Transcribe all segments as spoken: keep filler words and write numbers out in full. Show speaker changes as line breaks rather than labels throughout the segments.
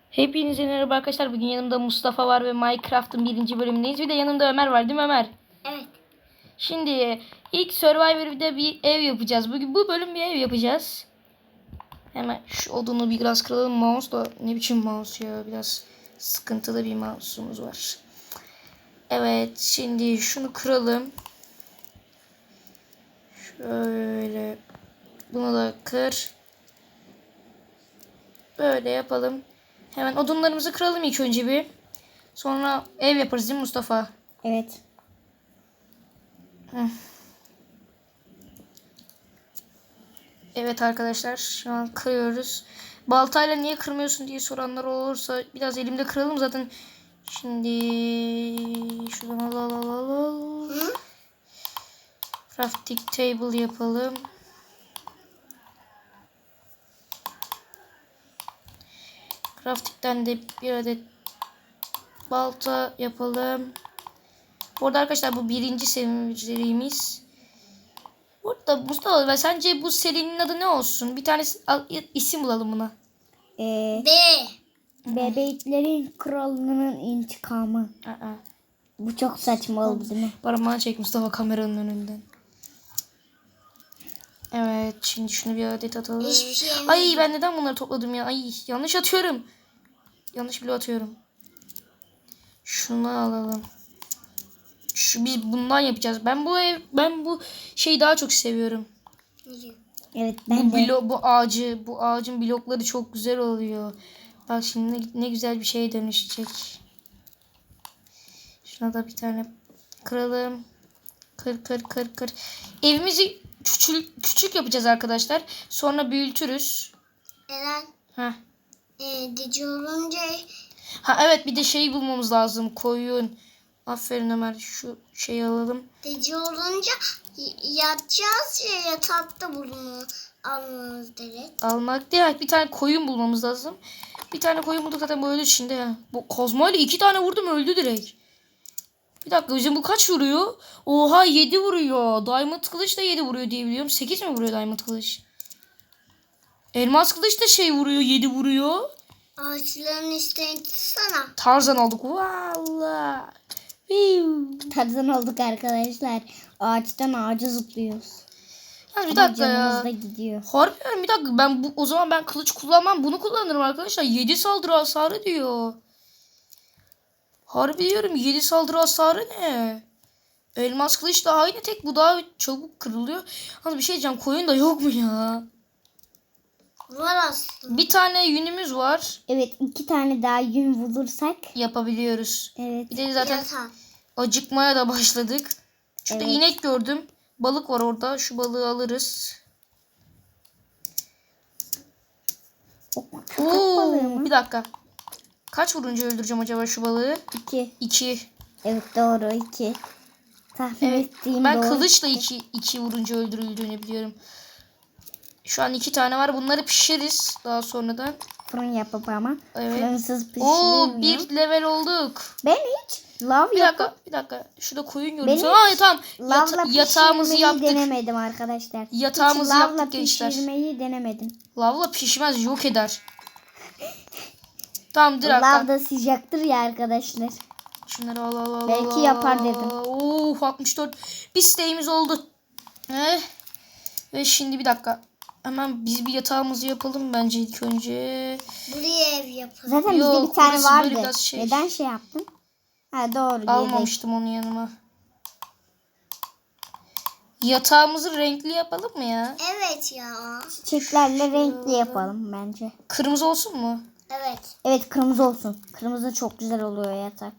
Hepinize merhaba arkadaşlar. Bugün yanımda Mustafa var ve Minecraft'ın birinci bölümündeyiz. Bir de yanımda Ömer var, değil mi Ömer?
Evet.
Şimdi ilk Survivor'da bir ev yapacağız. Bugün bu bölüm bir ev yapacağız. Hemen şu odunu biraz kıralım. Mouse da ne biçim mouse ya. Biraz sıkıntılı bir mouse'umuz var. Evet, şimdi şunu kıralım. Şöyle bunu da kır. Böyle yapalım. Hemen odunlarımızı kıralım ilk önce bir. Sonra ev yaparız değil mi Mustafa?
Evet.
Evet arkadaşlar, şu an kırıyoruz. Baltayla niye kırmıyorsun diye soranlar olursa biraz elimde kıralım zaten. Şimdi şuradan al al al al. al. Crafting table yapalım. Crafting'den de bir adet balta yapalım. Bu arada arkadaşlar bu birinci serimiz. Burada Mustafa, ben sence bu serinin adı ne olsun? Bir tane isim bulalım buna.
Ee,
B.
Bebeklerin kralının intikamı.
Aa.
Bu çok saçma oldu değil mi?
Parmağını çek Mustafa kameranın önünden. Evet, şimdi şunu bir adet atalım.
Hiçbir şey yemedim.
Ay, ben neden bunları topladım ya? Ay, yanlış atıyorum. Yanlış bile atıyorum. Şunu alalım. Şu biz bundan yapacağız. Ben bu ev ben bu şeyi daha çok seviyorum.
Evet
Bu
ben de.
blo bu ağacı, bu ağacın blokları çok güzel oluyor. Bak şimdi ne, ne güzel bir şeye dönüşecek. Şuna da bir tane kıralım. Kır kır kır kır. Evimizi küçük küçük yapacağız arkadaşlar. Sonra büyütürüz.
Eren.
Heh.
E, dici olunca
Ha evet, bir de şey bulmamız lazım. Koyun. Aferin Ömer, şu şeyi alalım.
dici olunca y- yatacağız ya yatakta bunu almamız gerek.
Almak değil, bir tane koyun bulmamız lazım. Bir tane koyun bulduk zaten, bu öldü şimdi ya. Bu kozmayla iki tane vurdum, öldü direkt. Bir dakika, bizim bu kaç vuruyor? Oha, yedi vuruyor. Diamond kılıç da yedi vuruyor diye biliyorum. sekiz mi vuruyor Diamond kılıç? Elmas kılıç da şey vuruyor, yedi vuruyor.
Ağaçların üstüne tutsana.
Tarzan olduk. Vallahi. Viu.
Tarzan olduk arkadaşlar. Ağaçtan ağaca zıplıyoruz.
Yani bir
Ama
dakika
canımız
ya.
da gidiyor.
Harbiden bir dakika, ben bu o zaman ben kılıç kullanmam, bunu kullanırım arkadaşlar. yedi saldırı hasarı diyor. Harbi diyorum, yedi saldırı hasarı ne? Elmas kılıç da aynı, tek bu daha çabuk kırılıyor. Ama bir şey diyeceğim, koyun da yok mu ya?
Var aslında.
Bir tane yünümüz var.
Evet iki tane daha yün bulursak.
Yapabiliyoruz.
Evet.
Bir de zaten
Yatak.
acıkmaya da başladık. Şurada
Evet.
inek gördüm. Balık var orada. Şu balığı alırız.
Köpek balığı
Oo,
mı?
bir dakika. Kaç vurunca öldüreceğim acaba şu balığı?
İki.
İki.
Evet doğru iki. Tahmin
Evet.
ettiğim
Ben
doğru.
kılıçla iki, iki vurunca öldürüldüğünü biliyorum. Şu an iki tane var. Bunları pişiririz daha sonradan.
Fırın yapıp ama.
Evet.
Fırınsız
Oo,
pişirilmiyor.
bir level olduk.
Ben hiç lav
Bir
yapıp
dakika, bir dakika. Şurada koyun
Ben
gördüm.
hiç
Aa, tamam. Yata-
lavla
yatağımızı
pişirmeyi
yaptık.
denemedim arkadaşlar.
Yatağımızı
hiç
yaptık
lavla
gençler.
pişirmeyi denemedim.
Lavla pişmez, yok eder. Tamam, dur
Lav
hatta.
da sıcaktır ya arkadaşlar.
Şunları al al al.
Belki
al,
yapar
al.
dedim.
Oo, altmış dört. Bir isteğimiz oldu. Eh. Ve şimdi bir dakika. Hemen biz bir yatağımızı yapalım bence ilk önce.
Buraya ev yapalım.
Zaten bizde
Yok,
bir tane
burası böyle
vardı.
biraz şey.
Neden şey yaptın? Ha doğru. yedek.
Almamıştım onu yanıma. Yatağımızı renkli yapalım mı ya?
Evet ya.
Çiçeklerle renkli yapalım bence.
Kırmızı olsun mu?
Evet.
Evet kırmızı olsun. Kırmızı çok güzel oluyor yatak.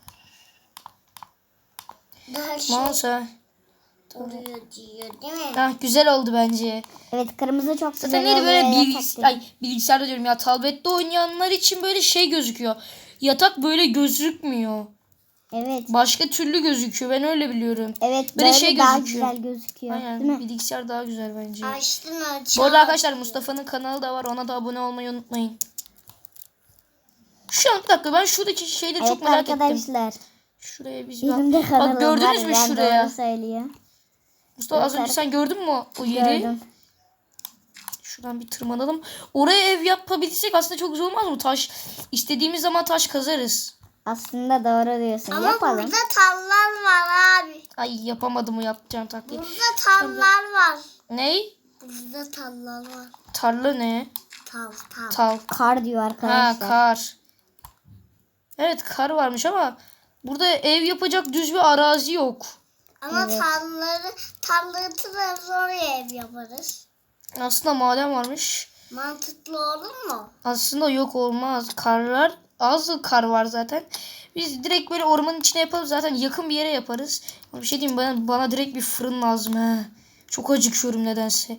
Daha şey
Mouse.
oluyor diyor değil mi?
Ha, güzel oldu bence.
Evet kırmızı çok güzel
Zaten neydi
oluyor
böyle
yatak
bilgis
dedi.
ay, bilgisayarda diyorum ya, tablette oynayanlar için böyle şey gözüküyor. Yatak böyle gözükmüyor.
Evet.
Başka türlü gözüküyor. Ben öyle biliyorum.
Evet
Böyle
böyle
şey
daha
gözüküyor.
güzel gözüküyor.
Aynen,
Değil mi?
bilgisayar daha güzel bence.
Açtın aç.
Bu arada arkadaşlar, Mustafa'nın kanalı da var. Ona da abone olmayı unutmayın. Şu an bir dakika, ben şuradaki şeyleri
Evet
çok merak ettim.
arkadaşlar.
Şuraya biz
Benim de
bak.
kanalım
Bak, gördünüz
var.
mü
Ben
şuraya?
doğru söylüyor.
Mustafa az
Evet,
önce sen gördün mü o yeri?
Gördüm.
Şuradan bir tırmanalım. Oraya ev yapabilsek aslında çok güzel olmaz mı? Taş istediğimiz zaman taş kazarız.
Aslında doğru diyorsun.
Ama
Yapalım.
burada tallar var abi.
Ay yapamadım o yapacağım taktiği.
Burada tallar var.
Ney?
Burada tallar var.
Tarla ne?
Tal tal.
Tal.
Kar diyor
Ha
arkadaşlar.
kar. Evet kar varmış ama burada ev yapacak düz bir arazi yok.
Ama
Evet.
talları talları tırarız oraya ev yaparız.
Aslında maden varmış.
Mantıklı olur mu?
Aslında yok olmaz. Karlar az kar var zaten. Biz direkt böyle ormanın içine yapalım. Zaten yakın bir yere yaparız. Ama bir şey diyeyim bana, bana direkt bir fırın lazım he. Çok acıkıyorum nedense.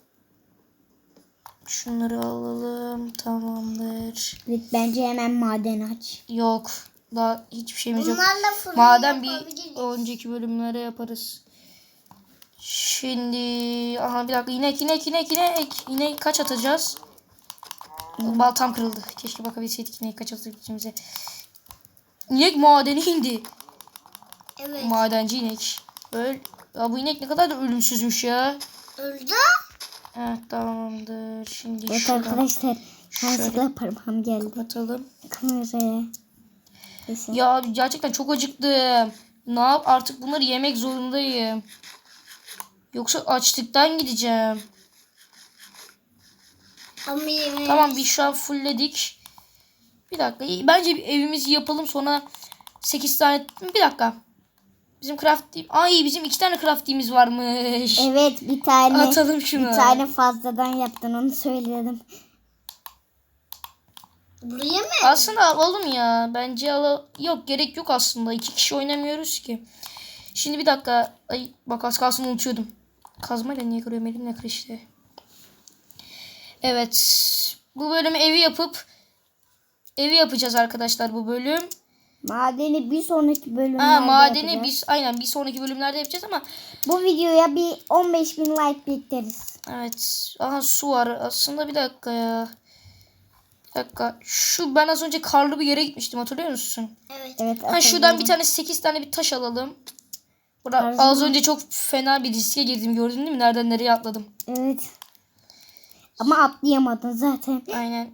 Şunları alalım. Tamamdır.
Evet, bence hemen maden aç.
Yok. Daha hiçbir şeyimiz yok.
Bunlarla fırın
Maden bir
yapabiliriz.
önceki bölümlere yaparız. Şimdi aha bir dakika inek inek inek inek. İnek kaç atacağız? Baltam kırıldı. Keşke bakabilseydik inek kaç atabileceğimize. İnek madeni indi.
Evet.
Madenci inek. Öl. Ya bu inek ne kadar da ölümsüzmüş ya.
Öldü.
Evet tamamdır. Şimdi
Evet
şuradan
arkadaşlar.
şöyle
Yanlışlıkla parmağım geldi.
atalım.
Kameraya. Kesin.
Ya gerçekten çok acıktım. Ne yap artık bunları yemek zorundayım. Yoksa açlıktan gideceğim.
Ama yemeği.
Tamam bir şu an fullledik. Bir dakika. Bence bir evimizi yapalım sonra sekiz tane. Bir dakika. Bizim crafting. Ay bizim iki tane crafting'imiz varmış.
Evet bir tane.
Atalım şunu.
Bir tane fazladan yaptın onu söyledim.
Buraya mı?
Aslında alalım ya. Bence al. Yok gerek yok aslında. İki kişi oynamıyoruz ki. Şimdi bir dakika. Ay bak az kalsın unutuyordum. Kazmayla niye kırıyorum elimle kır işte. Evet. Bu bölümü evi yapıp evi yapacağız arkadaşlar bu bölüm.
Madeni bir sonraki bölümlerde
Ha madeni
yapacağız.
biz aynen bir sonraki bölümlerde yapacağız ama
Bu videoya bir on beş bin like bekleriz.
evet. Aha su var. Aslında bir dakika ya. Bir dakika. Şu ben az önce karlı bir yere gitmiştim hatırlıyor musun?
Evet.
Evet.
Ha şuradan bir tane sekiz tane bir taş alalım. Burada
Tarzı
az
mı?
önce çok fena bir riske girdim gördün değil mi? Nereden nereye atladım.
Evet. Ama atlayamadın zaten.
Aynen.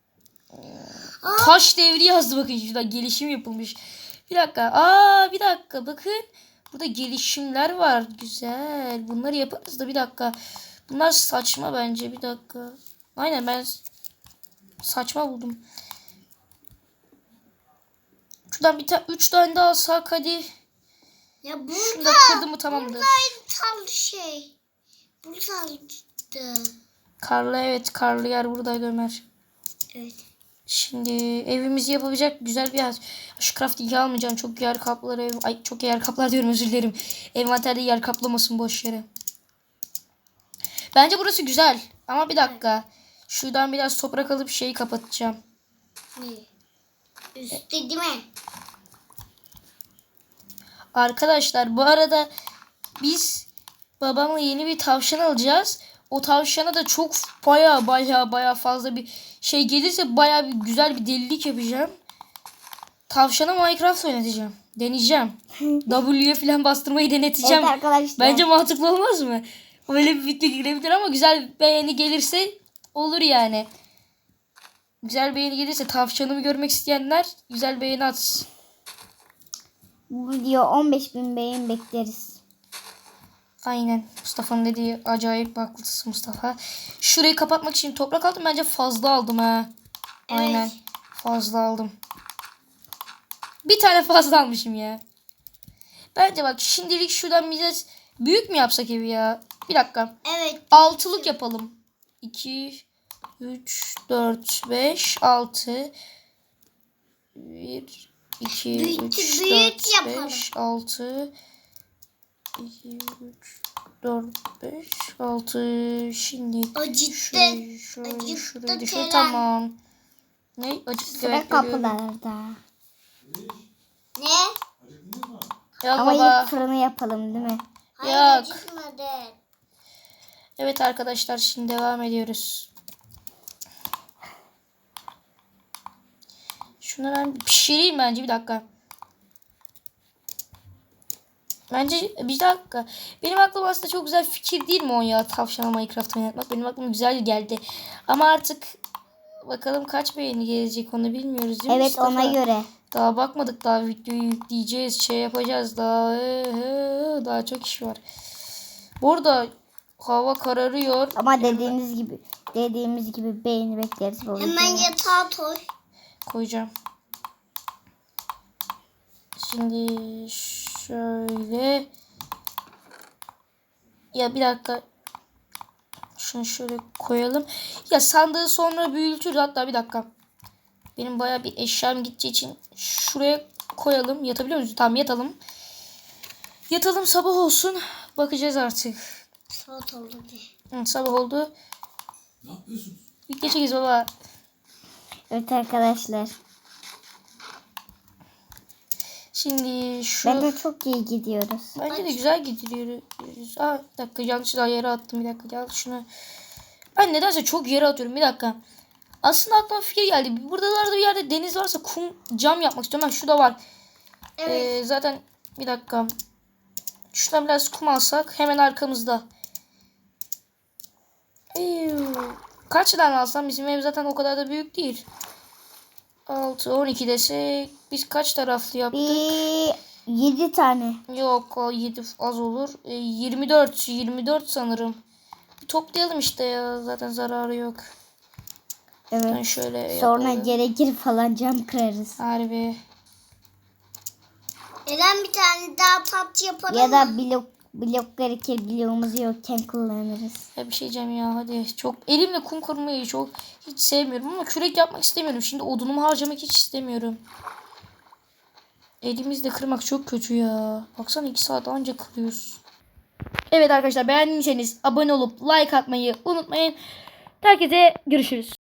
Taş devri yazdı bakın şurada gelişim yapılmış. Bir dakika. Aa bir dakika bakın. Burada gelişimler var. Güzel. Bunları yaparız da bir dakika. Bunlar saçma bence bir dakika. Aynen ben saçma buldum. Şuradan bir tane üç tane daha alsak hadi.
Ya
Şunu
burada.
da kırdım mı tamamdır.
Buradaydı tal şey. Buradaydı.
Karlı evet karlı yer buradaydı Ömer.
Evet.
Şimdi evimizi yapabilecek güzel bir yer. Şu crafting'i almayacağım. Çok yer kaplar ev. Ay çok yer kaplar diyorum özür dilerim. Envanterde yer kaplamasın boş yere. Bence burası güzel. Ama bir dakika. Şuradan biraz toprak alıp şeyi kapatacağım.
Ne? Üstte değil mi?
Arkadaşlar bu arada biz babamla yeni bir tavşan alacağız. O tavşana da çok baya baya baya fazla bir şey gelirse baya bir güzel bir delilik yapacağım. Tavşana Minecraft oynatacağım. Deneyeceğim. W'ye falan bastırmayı deneteceğim.
Evet arkadaşlar.
Bence mantıklı olmaz mı? Öyle bir video girebilir ama güzel beğeni gelirse olur yani. Güzel beğeni gelirse tavşanımı görmek isteyenler güzel beğeni atsın.
Bu video on beş bin beğen bekleriz.
Aynen. Mustafa'nın dediği acayip haklısın Mustafa. Şurayı kapatmak için toprak aldım. Bence fazla aldım ha.
Evet.
Aynen. Fazla aldım. Bir tane fazla almışım ya. Bence bak şimdilik şuradan bize büyük mü yapsak evi ya? Bir dakika.
Evet.
Altılık yapalım. iki, üç, dört, beş, altı. bir, iki,
Büyük-
üç,
büyük
dört,
yapalım.
beş, altı. iki, üç, dört, beş, altı. Şimdi
Acıttı.
şurayı, şurayı,
Acıttı
şurayı düşür.
Kerem.
Tamam. Ne? Acıttı.
Sıra
Evet, görüyorum.
kapılarda.
Ne?
Ya
Ama
baba.
ilk fırını yapalım değil mi?
Hayır
Yok.
acıtmadı.
Evet arkadaşlar şimdi devam ediyoruz. Şunu ben pişireyim bence bir dakika. Bence bir dakika. Benim aklıma aslında çok güzel fikir değil mi o ya? Tavşanla Minecraft oynatmak. Benim aklıma güzel geldi. Ama artık bakalım kaç beğeni gelecek onu bilmiyoruz değil mi
Evet
Mustafa?
ona göre.
Daha bakmadık, daha videoyu yükleyeceğiz, şey yapacağız daha ee, daha çok iş var. Burada hava kararıyor.
Ama dediğiniz gibi dediğimiz gibi beğeni bekleriz bu
Hemen
videoya.
yatağa koy.
Koyacağım. Şimdi şöyle. Ya bir dakika. Şunu şöyle koyalım. Ya sandığı sonra büyütürüz. Hatta bir dakika. Benim baya bir eşyam gideceği için şuraya koyalım. Yatabiliyor muyuz? Tamam yatalım. Yatalım, sabah olsun. Bakacağız artık.
Saat oldu bir.
Hı, sabah oldu.
Ne yapıyorsunuz?
Bir geçeceğiz baba.
Evet arkadaşlar.
Şimdi şu...
Bence çok iyi gidiyoruz.
Bence de güzel gidiyoruz. Aa, bir dakika yanlışlıkla yere attım. Bir dakika gel şunu. Ben nedense çok yere atıyorum. Bir dakika. Aslında aklıma fikir geldi. Buradalarda bir yerde deniz varsa kum cam yapmak istiyorum. Ben şurada var.
Evet.
Ee, zaten bir dakika. Şuradan biraz kum alsak hemen arkamızda. Eyvh. Kaç tane alsam, bizim ev zaten o kadar da büyük değil. altı on iki desek biz kaç taraflı yaptık?
Bir yedi tane.
Yok o yedi az olur. E, yirmi dört yirmi dört sanırım. Bir toplayalım işte ya, zaten zararı yok. Ben
Evet.
şöyle
Sonra
yapalım.
gerekir falan cam kırarız.
Harbi.
Eren bir tane daha tat yapalım
Ya da
mı?
blok blok gerekir bloğumuz yokken kullanırız.
Ya bir şey diyeceğim ya, hadi. Çok elimle kum kırmayı çok hiç sevmiyorum ama kürek yapmak istemiyorum. Şimdi odunumu harcamak hiç istemiyorum. Elimizle kırmak çok kötü ya. Baksana iki saat anca kırıyoruz. Evet arkadaşlar, beğendiyseniz abone olup like atmayı unutmayın. Herkese görüşürüz.